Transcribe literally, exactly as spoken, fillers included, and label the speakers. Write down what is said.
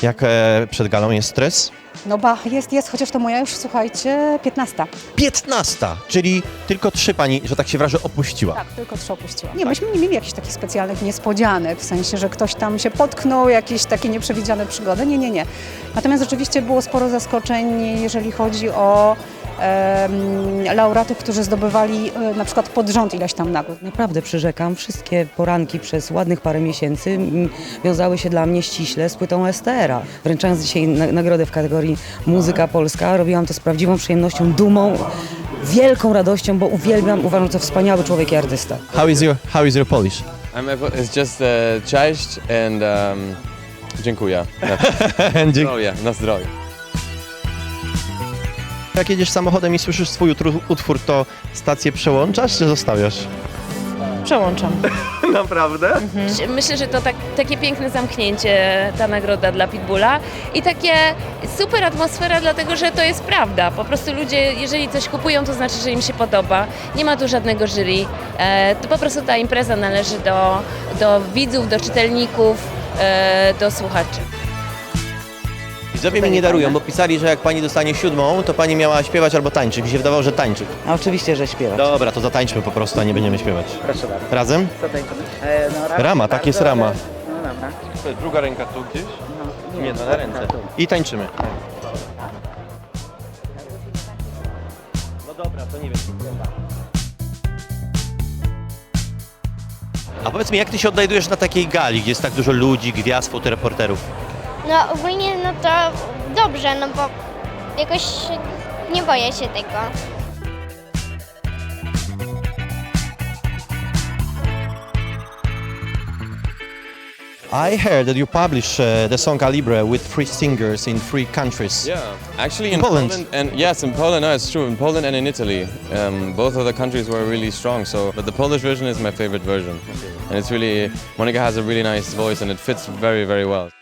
Speaker 1: Jak e, przed galą jest stres?
Speaker 2: No ba, jest, jest, chociaż to moja już, słuchajcie, piętnasta.
Speaker 1: piętnasta, czyli tylko trzy pani, że tak się wyrażę, opuściła.
Speaker 2: Tak, tylko trzy opuściła. Nie, myśmy nie mieli jakichś takich specjalnych niespodzianek, w sensie, że ktoś tam się potknął, jakieś takie nieprzewidziane przygody. Nie, nie, nie. Natomiast rzeczywiście było sporo zaskoczeń, jeżeli chodzi o em, laureatów, którzy zdobywali e, na przykład pod rząd ileś tam nagród.
Speaker 3: Naprawdę przyrzekam, wszystkie poranki przez ładnych parę miesięcy mm, wiązały się dla mnie ściśle z płytą S T R a. Wręczając dzisiaj na, nagrodę w kategorii Muzyka Polska, robiłam to z prawdziwą przyjemnością, dumą, wielką radością, bo uwielbiam, uważam, to wspaniały człowiek i artysta.
Speaker 1: How is your, how is your Polish?
Speaker 4: I'm, it's just uh, cześć and um, dziękuję. Na
Speaker 1: Dzięki.
Speaker 4: zdrowie, na zdrowie.
Speaker 1: Jak jedziesz samochodem i słyszysz swój utru- utwór, to stację przełączasz czy zostawiasz?
Speaker 5: Przełączam.
Speaker 1: Naprawdę?
Speaker 5: Myślę, że to tak, takie piękne zamknięcie, ta nagroda dla Pitbulla i takie super atmosfera, dlatego że to jest prawda. Po prostu ludzie, jeżeli coś kupują, to znaczy, że im się podoba. Nie ma tu żadnego jury. E, to po prostu ta impreza należy do, do widzów, do czytelników, e, do słuchaczy.
Speaker 1: Widzowie mi nie darują, bo pisali, że jak pani dostanie siódmą, to pani miała śpiewać albo tańczyć. Mi się wydawało, że tańczyć.
Speaker 3: A oczywiście, że śpiewać.
Speaker 1: Dobra, to zatańczmy po prostu, a nie będziemy śpiewać.
Speaker 6: Proszę bardzo.
Speaker 1: Razem?
Speaker 6: Co tańczymy? E, no, rama,
Speaker 1: Rama, tak jest
Speaker 6: bardzo,
Speaker 1: rama.
Speaker 6: ale- No dobra.
Speaker 1: To jest druga ręka tu gdzieś?
Speaker 6: No,
Speaker 1: Nie, no na ręce. I tańczymy. No dobra, to nie wiem. A powiedz mi, jak ty się odnajdujesz na takiej gali, gdzie jest tak dużo ludzi, gwiazd, fotoreporterów?
Speaker 7: No ogólnie no to dobrze, no bo jakoś nie boję się tego.
Speaker 1: I heard that you publish uh, the song Calibre with three singers in three countries.
Speaker 4: Yeah, actually
Speaker 1: In
Speaker 4: in,
Speaker 1: Poland.
Speaker 4: Poland. and yes, in Poland, no, it's true. In Poland and in Italy, um, both of the countries were really strong. So, but the Polish version is my favorite version, and it's really Monica has a really nice voice, and it fits very, very well.